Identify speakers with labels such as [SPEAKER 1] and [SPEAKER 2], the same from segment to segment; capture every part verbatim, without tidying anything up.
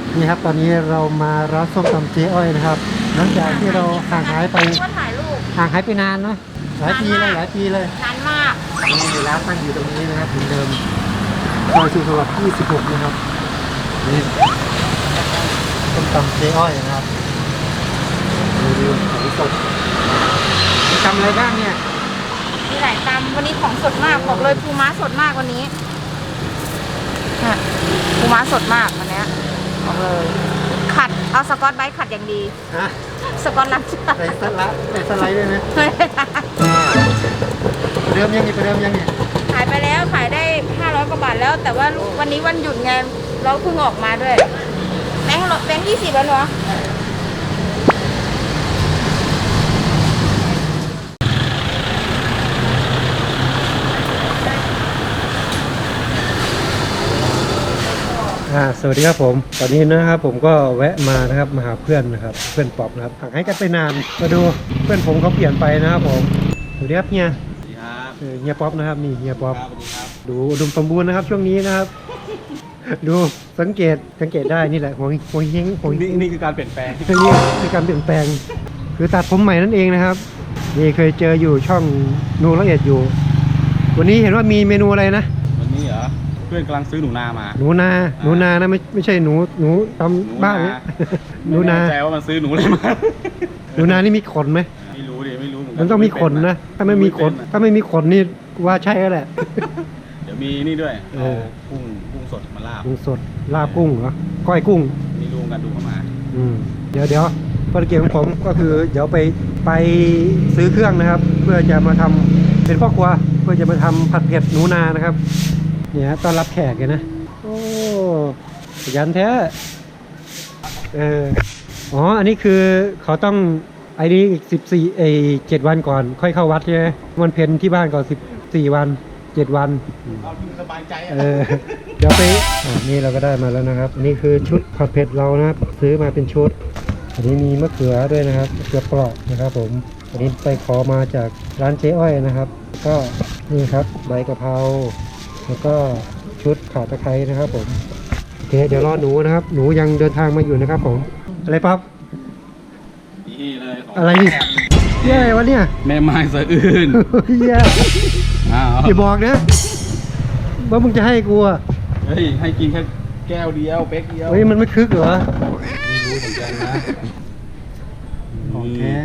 [SPEAKER 1] นี่ครับตอนนี้เรามาร้านส้มตำเจ๊อ้อยนะครับหลังจากที่เราห่างหายไปห่างหายไปนานนะหลายปีเลยหลายปีเลย
[SPEAKER 2] นานมาก
[SPEAKER 1] นี่ร้านตั้งอยู่ตรงนี้นะครับเหมือนเดิมซอยสุขสวัสดิ์ยี่สิบหกนะครับนี่ส้มตำเจ๊อ้อยนะครับดูดูของสดมีตำอะไรบ้างเนี่ย
[SPEAKER 2] มีหลายตำวันนี้ของสดมากบอกเลยปูม้าสดมากวันนี้ปูม้าสดมากวันนี้บอกเลยขัดเอาสกอตไบรท์ขัดอย่างดี
[SPEAKER 1] ฮะ
[SPEAKER 2] สกอตลักใ
[SPEAKER 1] ส่สไลด์ใส่สไลด์ด้วยไหมเดิมยังไงไปเดิมยังไง
[SPEAKER 2] ขายไปแล้วขายได้ห้าร้อยกว่าบาทแล้วแต่ว่าวันนี้วันหยุดไงเราเพิ่งออกมาด้วยแบงค์แบงค์ยี่สิบแล้วเนาะ
[SPEAKER 1] อ่าสวัสดีครับผมตอนนี้นะครับผมก็แวะมานะครับมาหาเพื่อนนะครับเพื่อนป๊อปนะครับห่างให้กันไปนานมาดูเพื่อนผมเขาเปลี่ยนไปนะครับผมสวัสดีครับเฮีย
[SPEAKER 3] สวัสดีครับ
[SPEAKER 1] เฮียป๊อปนะครับนี่เฮียป๊อป
[SPEAKER 3] สวัสดีครับ
[SPEAKER 1] ดูอุดมสมบูรณ์นะครับช่วงนี้นะครับ ดูสังเกตสังเกตได้นี่แหละหัวหัวเฮงหัวเฮง
[SPEAKER 3] นี่คือการเปลี่ยนแปลง
[SPEAKER 1] นี่คือการเปลี่ยนแปลงคือตัดผมใหม่นั่นเองนะครับนี่เคยเจออยู่ช่องนูละเอียดอยู่ วันนี้เห็นว่ามีเมนูอะไรนะ
[SPEAKER 3] วันนี้เหรอเพื่อนกำลังซื้อหนูนามา
[SPEAKER 1] หนูนาหนูนานะไม่ไม่ใช่หนูหนูทำบ้านเนี่ยหนูนา
[SPEAKER 3] แจ้ว่ามันซื้อหนูอะไรมา
[SPEAKER 1] หนูนานี่มีขนไหม
[SPEAKER 3] ไม่รู้ดิไม่รู้เหมือนกัน
[SPEAKER 1] มันต้องมีขนนะถ้าไม่มีขนถ้าไม่มีขนนี่ว่าใช่แล้วแหละ
[SPEAKER 3] เดี๋ยวมีนี่ด้วยเอากุ้งกุ้งสดมาลาบ
[SPEAKER 1] กุ้งสดลาบกุ้งเหรอก้อยกุ้ง
[SPEAKER 3] มีรูกันดูเข้ามา
[SPEAKER 1] อืมเดี๋ยวเดี๋ยวภารกิจของผมก็คือเดี๋ยวไปไปซื้อเครื่องนะครับ เพื่อจะมาทำเป็นพ่อครัวเพื่อจะมาทำผัดเผ็ดหนูนานะครับเนี่ยต้อนรับแขกเลยนะโอ้ยันแท้เอออ๋ออันนี้คือเขาต้องไอ้นี้อีกสิบสี่ไอ้เจ็ดวันก่อนค่อยเข้าวัดใช่ไหมวันเพ็ญที่บ้านก่อนสิบสี่วันเจ็ดวัน
[SPEAKER 3] เอาที่สบายใจ
[SPEAKER 1] เออเดี๋ยวไปอ่านี่เราก็ได้มาแล้วนะครับอันนี้คือชุดผัดเผ็ดเรานะครับซื้อมาเป็นชุดอันนี้มีมะเขือด้วยนะครับมะเขือเปราะนะครับผมอันนี้ไปขอมาจากร้านเจ๊อ้อยนะครับก็นี่ครับใบกะเพราแล้วก็ชุดข่าตะไคร้นะครับผมโอเคเดี๋ยวรอหนูนะครับหนูยังเดินทางมาอยู่นะครับผมอะไรปั๊บ
[SPEAKER 3] นี่เลย
[SPEAKER 1] อะไรนี่เย้วะเนี่ย
[SPEAKER 3] แม่ไม้สะอื้น
[SPEAKER 1] เย้อย่าบอกนะว่ามึงจะให้กูอ่ะ
[SPEAKER 3] เฮ้ยให้กินแค่แก้วเดียวเป๊กเดียว
[SPEAKER 1] เฮ้ยมันไม่คึกเหรอ
[SPEAKER 3] ไม่รู้เหมือนกันนะ
[SPEAKER 1] ของแท้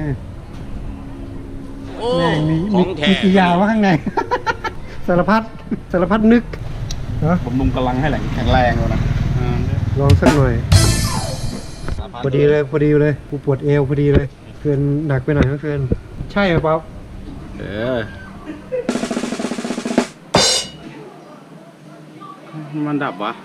[SPEAKER 1] แม่มีมีกี่ยาวะข้างในสารพัดสารพัดนึก
[SPEAKER 3] ผมลุงกำลังให้แหลงแข็งแรงเลยนะ
[SPEAKER 1] ลองสักหน่อยพอดีเลยพอดีเลยกูปวดเอวพอดีเลยเพื่อนหนักไปหน่อยนะเพื่อนใช่ไหมป๊อป
[SPEAKER 3] เออมันดับวะ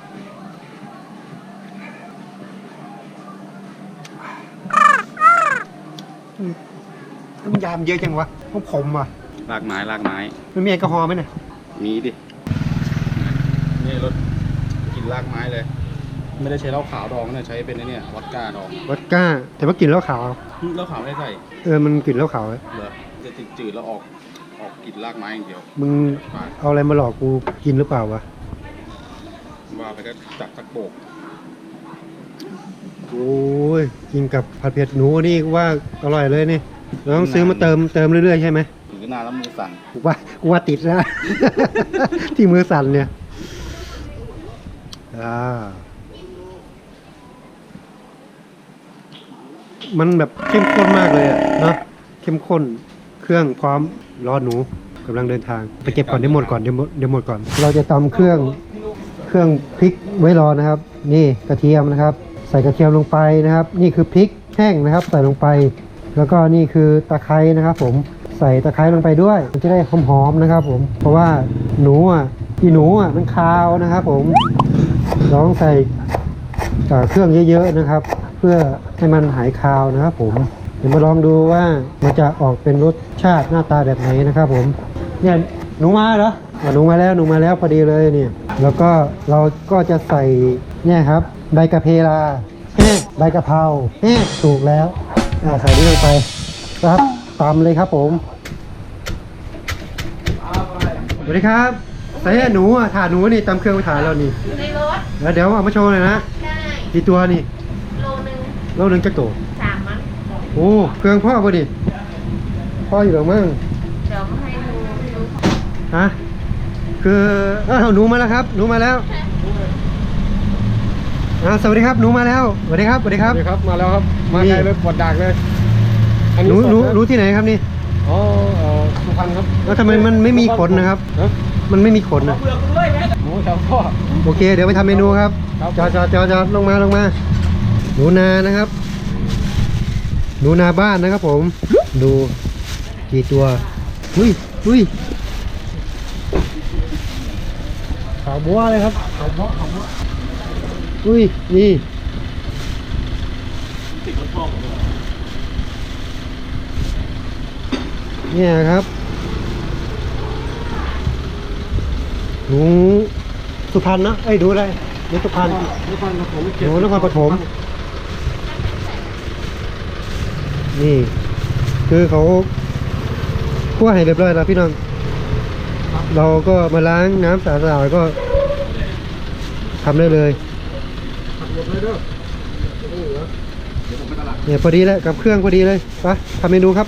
[SPEAKER 1] น้ำยามเยอะจังวะต้องผมอ่ะ
[SPEAKER 3] ลากไม้ลากไม้
[SPEAKER 1] มันมีแอลกอฮอล์ไหมเนี่ย
[SPEAKER 3] มีดินี่รถกินลากไม้เลยไม่ได้ใช้เหล้าขาวดองนะใช้เป็นไอ้นี่วอดก้าดอง
[SPEAKER 1] วอดก้าแต่ว่ากลิ่นเหล้าขาว
[SPEAKER 3] เหล้าขาวไม่ได้ใส่
[SPEAKER 1] เออมันกลิ่นเหล้าขาวเลย
[SPEAKER 3] เหรอจะติดจืดแล้วออกออกกลิ่นลากไม้อย่างเดียว
[SPEAKER 1] มึงเอาอะไรมาหลอกกูกินหรือเปล่าวะ
[SPEAKER 3] ว่าไปก็จับสักโบก
[SPEAKER 1] โอ้ยกินกับผัดเผ็ดหนูนี่ว่าอร่อยเลยนี่เราต้องซื้อมาเติมเติมเรื่อยๆใช่ไหม
[SPEAKER 3] ถือนานแล้วมือสั่น
[SPEAKER 1] กูว่ากูว่าติดแล้ว ที่มือสั่นเนี่ยอ่ามันแบบเข้มข้นมากเลยอะเนาะเข้มข้นเครื่องพร้อมรอหนูกำลังเดินทางไปเก็บก่อนเดี๋ยวหมดก่อนเดี๋ยวหมดเดี๋ยวหมดก่อนเราจะตำเครื่องเครื่องพริกไว้รอนะครับ นี่กระเทียมนะครับใส่กระเทียมลงไปนะครับนี่คือพริกแห้งนะครับใส่ลงไปแล้วก็นี่คือตะไคร้นะครับผมใส่ตะไคร้ลงไปด้วยมันจะได้หอมๆนะครับผมเพราะว่าหนูอ่ะอีหนูอ่ะมันคาวนะครับผมลองใส่เครื่องเยอะๆนะครับเพื่อให้มันหายคาวนะครับผมเดี๋ยวมาลองดูว่ามันจะออกเป็นรสชาติหน้าตาแบบไหนนะครับผมเนี่ยหนูมาเหรอหนูมาแล้วหนูมาแล้วพอดีเลยเนี่ยแล้วก็เราก็จะใส่เนี่ยครับใบกะเพราใบกะเพราถูกแล้วใส่นี่ลงไปครับตามเลยครับผมสวัสดีครับ ใส่หนูอ่ะถ่านหนูนี่ตำเครื่องไปถ่านเรานี่
[SPEAKER 2] ในรถ
[SPEAKER 1] แล้วเดี๋ยวเอามาโชว์หน่อยนะ
[SPEAKER 2] ได้
[SPEAKER 1] กี่ตัวนี่
[SPEAKER 2] โลนึง
[SPEAKER 1] โลหนึ่งจักโต
[SPEAKER 2] สามมั้ง
[SPEAKER 1] โอ้เครื่องพ่อป่ะดิพ่ออยู่หรอมั้ง
[SPEAKER 2] เดี๋ยวมาให้ดูดู
[SPEAKER 1] ฮะคืออ้าวหนูมาแล้วครับ หนูมาแล้วอ่าสวัสดีครับหนูมาแล้วสวัสดีครับสวัสดีครับ
[SPEAKER 3] สวัสดีครับมาแล้วครับมาไกลเลยปวดดักเลย
[SPEAKER 1] หนูหนูหนูที่ไหนครับนี่
[SPEAKER 3] อ๋อเอ่อสุพรรณครับ
[SPEAKER 1] แล้วทำไมมันไม่มีขนนะครับ
[SPEAKER 3] ฮะ
[SPEAKER 1] มันไม่มีขนนะ
[SPEAKER 3] หมูแถวพ่อ
[SPEAKER 1] โอเค เดี๋ยวไปทำเมนูครับ
[SPEAKER 3] ครับ
[SPEAKER 1] จอดจอดจอดจอดลงมาลงมา หนูนานะครับ หนูนาบ้านนะครับผม ดูกี่ตัวอุ้ยอุ้ยขาวบัวเลยครับขาวบัวขาวบัวอุ้ยนี่เนี่ยครับหนูสุพรรณนะเอ้ยดูอะไรหนูสุพรรณ
[SPEAKER 3] นครปฐม
[SPEAKER 1] หนูนครปฐมนี่ คือเขาคั่วให้เรียบร้อยแล้วพี่น้อง เราก็มาล้างน้ำสะอาดๆก็ทำได้เลยเนี่ยพอดีแล้วกับเครื่องพอดีเลยไปทำเมนูครับ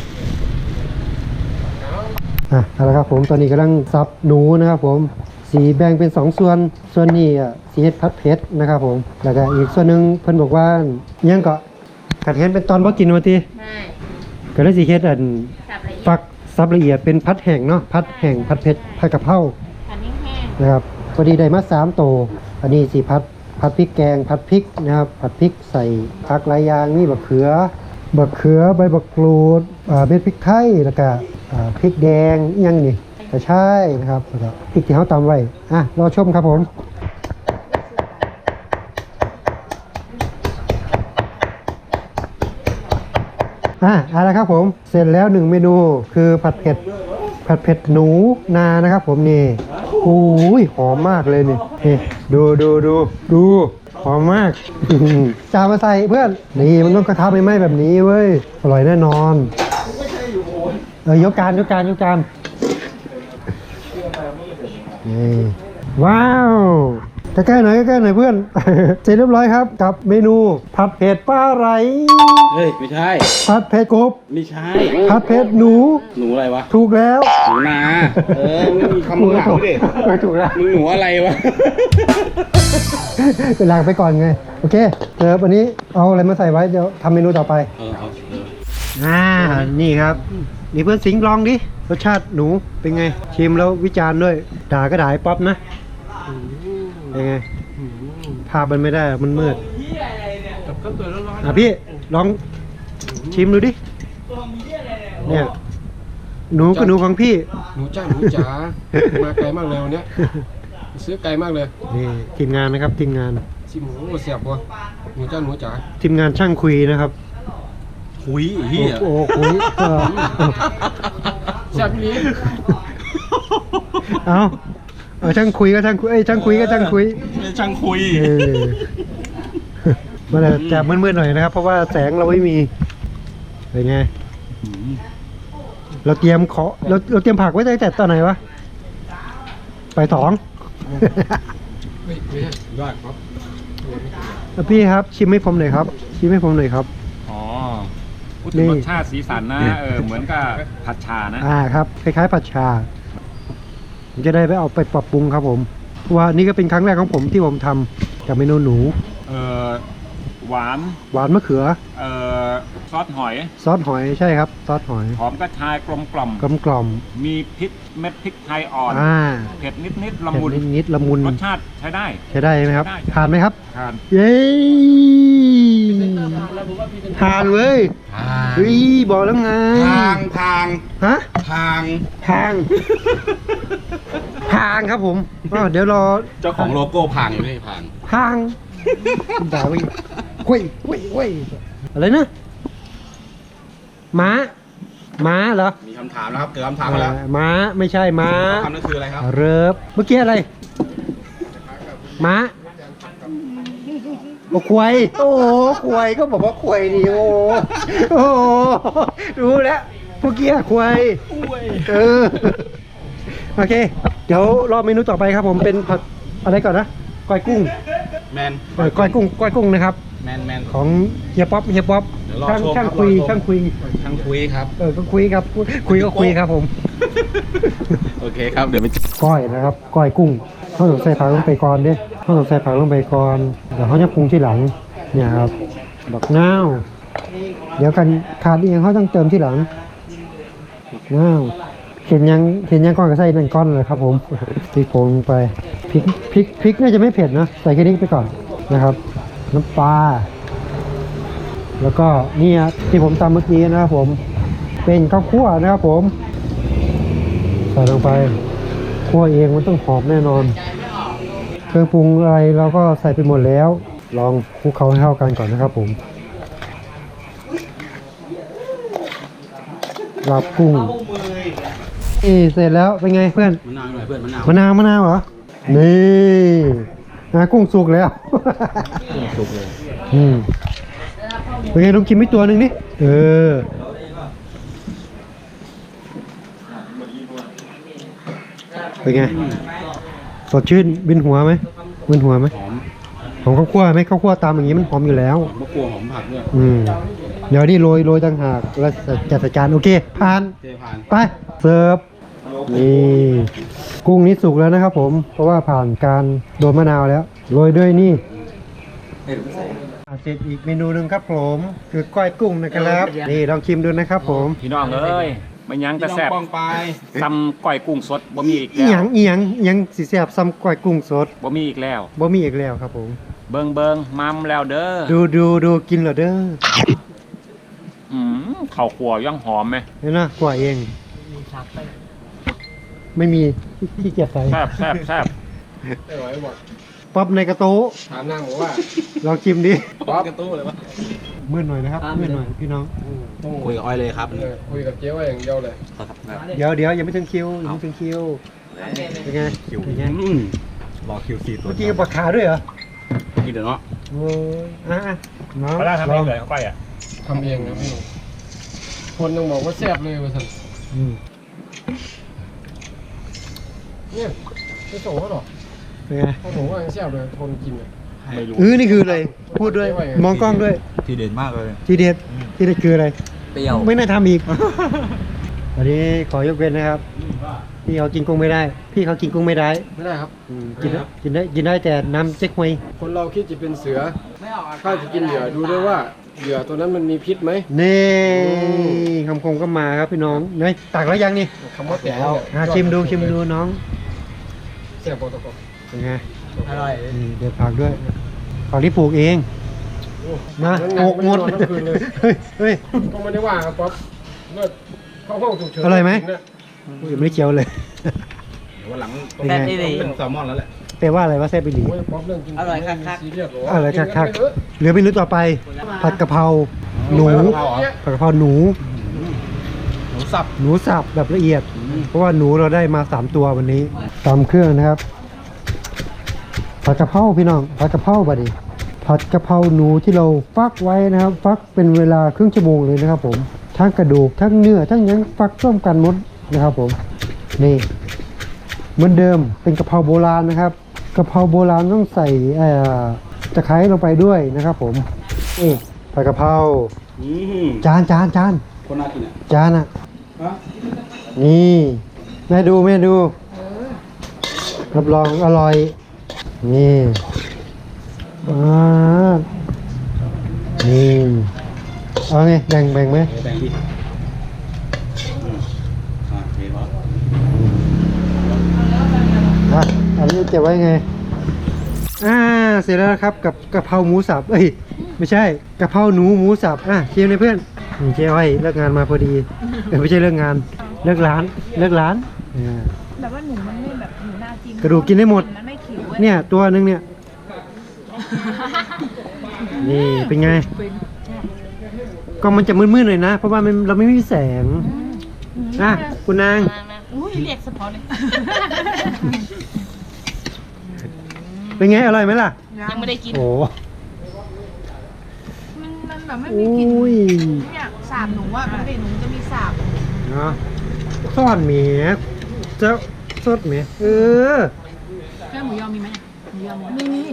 [SPEAKER 1] อ่ะเอาละครับผมตอนนี้กำลังซับหนูนะครับผมสีแบ่งเป็นสองส่วนส่วนนี้อ่ะสีเห็ดพัดเพชรนะครับผมแล้วก็อีกส่วนหนึ่งเพิ่นบอกว่ายังก็กัดเห็นเป็นตอนบ่กินมาที
[SPEAKER 2] ใช่
[SPEAKER 1] ก็เลยสีเห็ดอัน
[SPEAKER 2] สับละเอียด
[SPEAKER 1] ฟักซับละเอียดเป็นพัดแห้งเนาะพัดแห้งพัดเพชรผัดกะเพรา
[SPEAKER 2] ผัดแห้ง
[SPEAKER 1] นะครับพอดีได้มาสามโตวอันนี้สีพัดผัดพริกแกงผัดพริกนะครับผัดพริกใส่ผักหลายอย่างนี่บักเขือบักเขือใบบักกรูดอ่าเม็ดพริกไทยแล้วก็อ่าพริกแดงอิหยังนี่กระชายนะครับแล้วก็พริกที่เขาตำไว้อ่ะรอชมครับผมอ่ะเอาละครับผมเสร็จแล้วหนึ่งเมนูคือผัดเผ็ดผัดเผ็ดหนูนานะครับผมนี่โอ้ยหอมมากเลยนี่นี่ดูดูดูดูหอมมาก จานมาใส่เพื่อนนี่มันต้องกระทะไม่ไหม้แบบนี้เว้ยอร่อยแน่นอนเออยกจานยกจานยกจานนี่ว้าวใกล้ๆหน่อยใกล้ๆหน่อยเพื่อน เสร็จเรียบร้อยครับกับเมนูผัดเผ็ดปลาไหล
[SPEAKER 3] เฮ้ยไม่ใช่
[SPEAKER 1] ผัดเผ็ดกบ
[SPEAKER 3] ไม่ใช่
[SPEAKER 1] ผัดเผ็ดหนู
[SPEAKER 3] หนูอะไรวะ
[SPEAKER 1] ถูกแล้ว
[SPEAKER 3] หนูนาเออไม่มีคำมึงหาดิ
[SPEAKER 1] เออถูกแล้ว
[SPEAKER 3] มึงหนูอะไรวะ
[SPEAKER 1] เป็นลางไปก่อนไง โอเคเดี๋ยววันนี้เอาอะไรมาใส่ไว้เดี๋ยวทำเมนูต่อไป
[SPEAKER 3] เออเอาเออ
[SPEAKER 1] อ่า นี่ครับ นี่เพื่อนสิงห์ลองดิ รสชาติหนูเป็นไง ชิมแล้ววิจารณ์ด้วย ด่าก็ด่าไอ้ป๊อปนะเป็นไง ภาพมันไม่ได้ มันมืด
[SPEAKER 3] กับข้าวสวยร้อน
[SPEAKER 1] อ่ะพี่ ลองชิมดูดิ เนี่ย หนูก็หนูของพี่
[SPEAKER 3] ๆหนูจ้าหนูจ๋ามาไกลมากเลยวันเนี้ยซื้อไกลมากเลย
[SPEAKER 1] นี่ทีมงานนะครับทีมงาน
[SPEAKER 3] ชิมหมูเสียบวะหนูจ้าหนูจ๋า
[SPEAKER 1] ทีมงานช่างคุยนะครับ
[SPEAKER 3] คุยเฮีย
[SPEAKER 1] โอ้โหคุยก็
[SPEAKER 3] แซ่บนี้
[SPEAKER 1] เอาเอาช่างคุยก็ช่างคุยเอ้ยช่างคุยก็ช่างคุย
[SPEAKER 3] ช่างคุย
[SPEAKER 1] เออมันอาจจะมืดๆหน่อยนะครับ เพราะว่าแสงเราไม่มีเป็นไง เราเตรียมขอเราเราเตรียมผักไว้ตั้งแต่ตอนไหนวะไปสอง
[SPEAKER 3] ไม่ไม่ใช่ยอดครับ
[SPEAKER 1] อ่ะพี่ครับ ชิมให้ผมหน่อยครับ ชิมให้ผมหน่อยครับ
[SPEAKER 4] อ๋อพูดถึงรสชาติสีสันนะเออเหมือนกับผัดชานะ
[SPEAKER 1] อ่าครับคล้ายๆผัดชาผมจะได้ไปเอาไปปรับปรุงครับผมเพราะว่านี่ก็เป็นครั้งแรกของผมที่ผมทำกับเมนูหนู
[SPEAKER 4] เออหวาน
[SPEAKER 1] หวานมะเขือ
[SPEAKER 4] เออซอสหอย
[SPEAKER 1] ซอสหอยใช่ครับ ซอสหอย
[SPEAKER 4] หอมกระชายกลมกล่อม
[SPEAKER 1] กลมกล่อม
[SPEAKER 4] มีพริกเม็ดพริกไทยอ่อน
[SPEAKER 1] อ่า
[SPEAKER 4] เผ็ดนิดนิดๆละมุน
[SPEAKER 1] เผ็ดนิดๆละมุน
[SPEAKER 4] รสชาติใช้ได้
[SPEAKER 1] ใช้ได้ไหมครับ
[SPEAKER 4] ใช้ได้
[SPEAKER 1] ทานไหมครับ
[SPEAKER 4] ทาน
[SPEAKER 1] เย้ทานเว้ยเฮ้ยบอกแล้วไง
[SPEAKER 3] ทางทาง
[SPEAKER 1] ฮะ
[SPEAKER 3] ทาง
[SPEAKER 1] ทาง ทางครับผมอ้าวเดี๋ยวรอ
[SPEAKER 3] เจ้าของโลโก้พังอยู่นี่พัง
[SPEAKER 1] ทางด่าไปเว้ยเว้ยเว้ยอะไรนะม้าม้าเหรอ
[SPEAKER 3] มีคำถามนะครับเกิดคำถามมาแล้ว
[SPEAKER 1] เอ่อม้าไม่ใช่ม้า
[SPEAKER 3] คำนั้นคืออะไรครับ
[SPEAKER 1] เริบเมื่อกี้อะไรม้าโอ้ควายโอ้โหควายก็บอกว่าควายดิโอ้โหโอ้โหรู้แล้วเมื่อกี้ควายเออโอเค เดี๋ยวรอเมนูต่อไปครับผมเป็นผัดอะไรก่อนนะก้อยกุ้ง
[SPEAKER 3] แมน
[SPEAKER 1] เออก้อยกุ้งก้อยกุ้งนะครับ
[SPEAKER 3] แมนแมน
[SPEAKER 1] ของเฮียป๊อปเฮียป๊อป
[SPEAKER 3] เดี๋ยวรอ
[SPEAKER 1] ช่าง
[SPEAKER 3] ชม
[SPEAKER 1] ช่าง
[SPEAKER 3] ครับ
[SPEAKER 1] คุย
[SPEAKER 3] รอชม
[SPEAKER 1] ช่างคุย
[SPEAKER 3] ทางคุยครับ
[SPEAKER 1] เออก็คุยครับคุยก็คุยครับผม
[SPEAKER 3] โอเคครับเดี๋ยวไป
[SPEAKER 1] ก้อยนะครับก้อยกุ้งเขาต้องใส่ผักลงไปก่อนเด้เขาต้องใส่ผักลงไปก่อนเดี๋ยวเขาจะปรุงที่หลังเนี่ยครับบักนาวเดี๋ยวกันขาดอีกอย่างเขาต้องเติมที่หลังบักนาวเห็นยังเห็นยังก้อนก็ใส่นั่นก้อนเลยครับผมพริกผงลงไปพริกพริกพริกน่าจะไม่เผ็ดนะใส่แค่นี้ไปก่อนนะครับน้ำปลาแล้วก็นี่ที่ผมตำเมื่อกี้นะครับผมเป็นข้าวคั่วนะครับผมใส่ลงไปคั่วเองมันต้องหอมแน่นอนเครื่องปรุงอะไรเราก็ใส่ไปหมดแล้วลองคลุกเคล้าให้เข้ากันก่อนนะครับผมลาบกุ้งนี่เสร็จแล้วเป็นไงเพื่อน
[SPEAKER 3] มะนาวหน่อยเพื่อนมะนาว
[SPEAKER 1] มะนาวมะนาวเหรอนี่นะกุ้งสุกแล้ว
[SPEAKER 3] สุกเลย
[SPEAKER 1] อืมเป็นไงลองกินไม่ตัวหนึ่งดิเออเป็นไงสดชื่นบินหัวไหมบินหัวไหม
[SPEAKER 3] หอม
[SPEAKER 1] หอมข้าวคั่วไหมข้าวคั่วตามอย่างนี้มันหอมอยู่แล้ว
[SPEAKER 3] มะกรูดหอมผักด้วย
[SPEAKER 1] อืมเดี๋ยวนี่โรยโรยต่างหากแล้วจัดใส่จานโอเคผ่าน
[SPEAKER 3] เทผ่าน
[SPEAKER 1] ไปเสิร์ฟนี่กุ้งนี้สุกแล้วนะครับผมเพราะว่าผ่านการโดนมะนาวแล้วโรยด้วยนี่เสร็จอีกเมนูหนึ่งครับผมคือก้อยกุ้งนะครับนี่ลองชิมดูนะครับผม
[SPEAKER 4] พี่น้องเอ้ยมันยังแต่แซ่บ
[SPEAKER 3] ป้องไป
[SPEAKER 4] ซ้ำก้อยกุ้งสดบ่มีอีก
[SPEAKER 1] อี
[SPEAKER 4] แล้
[SPEAKER 1] หยั
[SPEAKER 4] ว
[SPEAKER 1] งอีหยังอีหยังสีแสบซ้ำก้อยกุ้งสด
[SPEAKER 4] บ่มีอีกแล้ว
[SPEAKER 1] บ่มีอีกแล้วครับผม
[SPEAKER 4] เบิงเบิงมัมแล้วเด้อ
[SPEAKER 1] ดูดูดูกินเหรอเด้อ
[SPEAKER 4] อืมข้าวคั่วยังหอมไหม
[SPEAKER 1] เห็นนะกว่าเองไม่มีที่เกียจใส่
[SPEAKER 4] แซ่บแซ่บแซ่บ
[SPEAKER 3] ไม่ไหวบอก
[SPEAKER 1] ป๊อปในกระโต๊ะ
[SPEAKER 3] ถามนางบอกว่า
[SPEAKER 1] ลองชิมดิ
[SPEAKER 3] ป๊อปกระตู้เลยวะ
[SPEAKER 1] มืดหน่อยนะครับมืดหน่อยพี่น้อง
[SPEAKER 3] คุยกับอ้อยเลยครับ
[SPEAKER 5] คุยกับเจ๊ว่าอย่างเดียวเลย
[SPEAKER 1] เดี๋ยวเดี๋ยวยังไม่ถึงคิวยังไม่ถึงคิวเป็นไงเป็นไง
[SPEAKER 3] รอคิวซีตัว
[SPEAKER 1] เมื่อกี้กับปลาขาด้วยเหรอ
[SPEAKER 3] กินเดี๋ยวเนาะ
[SPEAKER 1] โอ้ยอ่ะอ่ะน้อง
[SPEAKER 4] เขาได้ทำ
[SPEAKER 1] ล
[SPEAKER 4] เอ
[SPEAKER 1] อง ง
[SPEAKER 4] เลยเขาไปอ่ะ
[SPEAKER 5] ทำเองนะพี่ คนยังบอกว่าแซ่บเลยว่าสัน
[SPEAKER 1] อืม
[SPEAKER 5] เนี่ยไม่ส่งเขาหรอก
[SPEAKER 1] เป็นไง
[SPEAKER 5] เขาบอกว่ายังแซ่บเลยคนกินเนี่ย
[SPEAKER 4] ไม่รู้
[SPEAKER 1] เออนี่คืออะไรพูดด้วยมองกล้องด้วย
[SPEAKER 3] ทีเด่นมากเลย
[SPEAKER 1] ทีเด็ดทีเด็ดคืออะไร
[SPEAKER 3] เปรี้ยว
[SPEAKER 1] ไม่น่าทำอีก วันนี้ขอยกเว้นนะครับ พี่เขากินกุ้งไม่ได้ พี่เขากินกุ้งไม่ได้
[SPEAKER 5] ไม่ได้ครับ
[SPEAKER 1] อืมกินได้กินได้กินได้แต่น้ำเจ๊กฮวย
[SPEAKER 5] คนเราคิดจะเป็นเสือถ้าจะกินเหยื่อดูด้วยว่าเหยื่อตัวนั้นมันมีพิษไหม
[SPEAKER 1] นี่คำคมก็มาครับพี่น้องเนยตักแล้วยังนี่
[SPEAKER 5] คำว่าแต่
[SPEAKER 1] อ่ะชิมดูชิมดูน้อง
[SPEAKER 5] แซ่บพอตะกอน
[SPEAKER 1] เป็นไง
[SPEAKER 5] อร่อย
[SPEAKER 1] นี่เดี๋ยวผักด้วยผักที่ปลูกเองนะปลูกหมด
[SPEAKER 5] ทั้งคืนเลย
[SPEAKER 1] เฮ้ยเฮ้ย
[SPEAKER 5] ก็ไม่ได้ว่าครับป๊อปเลิศเข้าห้องฉุกเฉิน
[SPEAKER 1] อร่อยไหม
[SPEAKER 5] เนี่ย
[SPEAKER 1] อุ้ยไม่ได้เคี้ยวเลย
[SPEAKER 3] เดี๋ยววันหลัง
[SPEAKER 1] เป็นไง
[SPEAKER 3] เป็นแซลมอนแล้วแหละ
[SPEAKER 1] แปลว่าอะไรว่าแซ่บไปหลี
[SPEAKER 5] โอ้ยป๊อปเรื่องกินอร่อยคักๆซีเรียสหรอ
[SPEAKER 1] อะไรคักคัก
[SPEAKER 5] กินกันไปเถอะ
[SPEAKER 1] ๆเหลือเมนูต่อไป ผัดกะเพราหนูผัดกะเพราหนู
[SPEAKER 3] หนูสับ
[SPEAKER 1] หนูสับแบบละเอียด เพราะว่าหนูเราได้มาสามตัววันนี้ตามเครื่องนะครับ ผัดกะเพราพี่น้องผัดกะเพราบัดนี้ผัดกะเพราหนูที่เราฟักไว้นะครับ ฟักเป็นเวลาครึ่งชั่วโมงเลยนะครับ ผมทั้งกระดูกทั้งเนื้อทั้งหยังฟักร่วมกันหมดนะครับ ผมนี่เหมือนเดิมเป็นกะเพราโบราณนะครับกะเพราโบราณต้องใส่เอ่อตะไคร้ลงไปด้วยนะครับ ผมนี่ผัดกะเพรา
[SPEAKER 3] อืม
[SPEAKER 1] จานจานจาน
[SPEAKER 3] คนน่ากินอ่ะ
[SPEAKER 1] จานอ่ะ
[SPEAKER 3] ฮะ
[SPEAKER 1] นี่แม่ดูแม่ดูรับรองอร่อยนี่อ่านี่เอาไงแบ่งแบ่งไหม
[SPEAKER 3] เดี๋ยวแบ่งดิอืมอ่ะเห็นปะ
[SPEAKER 1] อ่ะอันนี้เก็บไว้ไงอ่าเสร็จแล้วครับกับกะเพราหมูสับเอ้ยไม่ใช่กะเพราหนูหมูสับอ่ะเชียร์เลยเพื่อนนี่เจ๊อ้อยเลิกงานมาพอดีเออไม่ใช่เลิกงานเลิกร้านเลิกร้านอ่า
[SPEAKER 2] แบบว่าหนูมันไม่แบบหนูน่ากิน
[SPEAKER 1] กระดูกกินได้หมด
[SPEAKER 2] มันไม่ขิวเว้ย
[SPEAKER 1] เนี่ยตัวหนึงเนี่ย นี่เป็นไง ก็มันจะมืดๆหน่อยนะ เพราะว่ามันเราไม่มีแสงอ่ะคุณนาง
[SPEAKER 2] อุ้ยเรียกสปอร์ตเลย
[SPEAKER 1] เป็นไง อร่อยไหมล่ะ
[SPEAKER 2] ยังไม่ได้กิน
[SPEAKER 1] โอ้
[SPEAKER 2] มันมันแบบไม่
[SPEAKER 1] โอ
[SPEAKER 2] มีกลิ่น้
[SPEAKER 1] ย
[SPEAKER 2] เนี่ยสาบหนูอ่ะปกติหนูจะมีสาบ
[SPEAKER 1] เนาะซ่อนเมียเจ้าสดเมียเออ
[SPEAKER 2] แค่หมูยอมีไหมหมูยอมีมีมี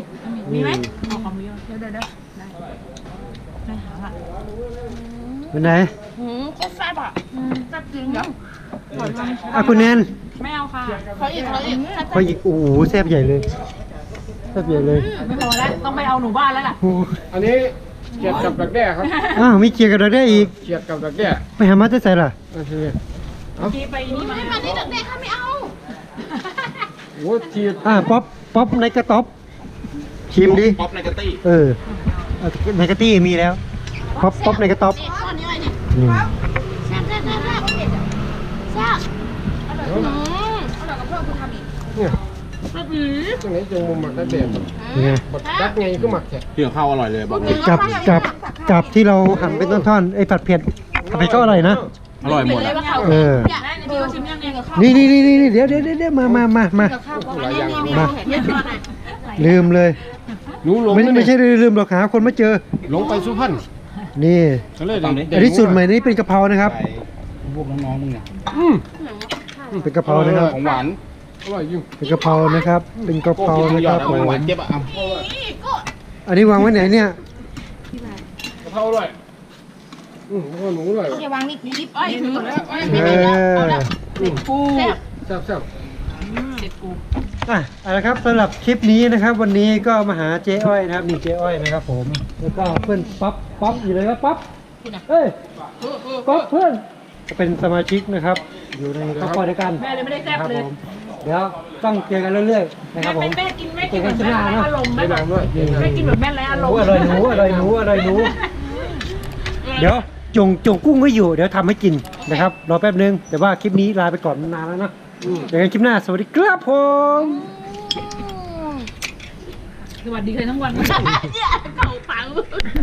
[SPEAKER 2] มีไหมเอาของมีเดี๋ยวเดี๋ยวเดี๋ยวได้ได้หางอ่ะ
[SPEAKER 1] เป็นไหน
[SPEAKER 2] หืมโคตรแซ่บอ่ะแซ่บจริงเดี๋ยว
[SPEAKER 1] อ่ะคุณแนน
[SPEAKER 2] ไม่เอาค่ะเขาอีกเขาอีก
[SPEAKER 1] พออีกโอ้โหแซ่บใหญ่เลยแซ่บใหญ่เลย
[SPEAKER 2] ไม่พอแล้วต้องไปเอาหนูบ้านแล้วล่ะ
[SPEAKER 1] โอ้โห
[SPEAKER 5] อันนี้เขียดกับดักแด้ครับ
[SPEAKER 1] อ้าวมีเกียร์กับเราได้อีก
[SPEAKER 5] เขียดกับดักแด้
[SPEAKER 1] ไปหามาจะใส่ล่ะ
[SPEAKER 5] โอเค
[SPEAKER 2] ทีไปนี่มาไม่มาที่เด็กๆค่ะไม่เอา
[SPEAKER 5] โอ้ที
[SPEAKER 1] อ่าป๊อปป๊อปในกระต๊อบชิมดิ
[SPEAKER 3] ป๊อปในกระตี้
[SPEAKER 1] เออเอาในกระตี้มีแล้วป๊อปป๊อปในกระต๊อบ
[SPEAKER 2] นี่ก้อนนี้ไว้เนี่ย
[SPEAKER 1] อืม
[SPEAKER 2] แซ่บแซ่บแซ่บแซ่บแซ่บอืมอร่อยกับเพื่อนคุณทำอีก
[SPEAKER 5] เนี่ย
[SPEAKER 2] แซ่บอีก
[SPEAKER 5] ตรงไหนจงมุมหมักดักแด้
[SPEAKER 1] ยังไง
[SPEAKER 5] บดดักไงก็หมักแท้
[SPEAKER 3] เที่ยวข้าวอร่อยเลยบอกเลย
[SPEAKER 1] กับกับกับที่เราหั่นเป็นท่อนๆไอ้ผัดเผ็ดผัดเผ็ดก็อร่อยนะ
[SPEAKER 3] อร่อยหมด
[SPEAKER 2] เลย
[SPEAKER 3] อะ
[SPEAKER 2] ว่าเขา
[SPEAKER 1] เออ
[SPEAKER 2] อยากได้พี่ก็ชิมยังไงกับข้าว
[SPEAKER 1] นี่นี่นี่นี่เดี๋ยวเดี๋ยวเดี๋ยวมามามามา
[SPEAKER 2] กับข้าวอันนี้นี่
[SPEAKER 1] มา
[SPEAKER 2] เห็นไหม
[SPEAKER 1] ลืมเลย
[SPEAKER 5] หนูหลง
[SPEAKER 1] ไม่ไม่ใช่ลืมหรอกหาคนมาเจอ
[SPEAKER 5] หลงไปสุพรรณ
[SPEAKER 1] นี่
[SPEAKER 5] ก็เลย
[SPEAKER 1] อันนี้สูตรใหม่นี่เป็นกะเพรานะครับ
[SPEAKER 3] พวกน้องๆมึงเนี่ย
[SPEAKER 5] อืม
[SPEAKER 1] เป็นกะเพรานะครับ
[SPEAKER 3] ของหวาน
[SPEAKER 5] อร่อยอยู่
[SPEAKER 1] เป็นกะเพรานะครับ เป็นกะเพรา
[SPEAKER 3] กิน
[SPEAKER 1] นะ
[SPEAKER 3] หย
[SPEAKER 1] ค
[SPEAKER 3] อ
[SPEAKER 1] รั
[SPEAKER 3] ด
[SPEAKER 1] บ
[SPEAKER 3] เอา
[SPEAKER 1] ผม
[SPEAKER 3] หวานเจ็บอ่ะเอา
[SPEAKER 1] อันนี้วางไว้ไหนเนี่ย
[SPEAKER 5] กะเพราอร่อยอืมแล้วก็หนูอร่อย
[SPEAKER 2] อย่าวางนี่ยิบอ้อยถือ
[SPEAKER 1] เออ
[SPEAKER 2] ปู
[SPEAKER 5] แซ่บแซ่บ
[SPEAKER 1] อ่ะเอาละครับสำหรับคลิปนี้นะครับ วันนี้ก็มาหาเจ๊อ้อยนะครับนี่เจ๊อ้อยนะครับผมแล้วก็เพื่อนป๊อปป๊อปอยู่เลยครับป๊อปเอ้ยป๊อปเพื่อนก็เป็นสมาชิกนะครับ อยู่ในครอบครัวเดียวกัน
[SPEAKER 2] แม่เลยไม่ได้แซ่บ
[SPEAKER 1] ครับ
[SPEAKER 2] เล
[SPEAKER 1] ผ
[SPEAKER 2] ย
[SPEAKER 1] มเดี๋ยวต้องเจอกันเรื่อยๆนะครับผม
[SPEAKER 2] แม่กินแม่กินเหมือนแม่ไร้อารมณ์
[SPEAKER 5] ไม่
[SPEAKER 2] แม่
[SPEAKER 5] ดังด้วย
[SPEAKER 2] แม่กินเหมือนแม่ไร้อารมณ์
[SPEAKER 1] อร่อยหนูอร่อยหนูอร่อยหนู เดี๋ยวจงจงกุ้งไว้อยู่ เดี๋ยวทำให้กินนะครับ รอแป๊บนึง แต่ว่าคลิปนี้ลาไปก่อนนานแล้วเนอะเดี๋ยวกันคลิปหน้า สวัสดีครับผม
[SPEAKER 2] สวัสดีเลยทั้งวันเก่าปัง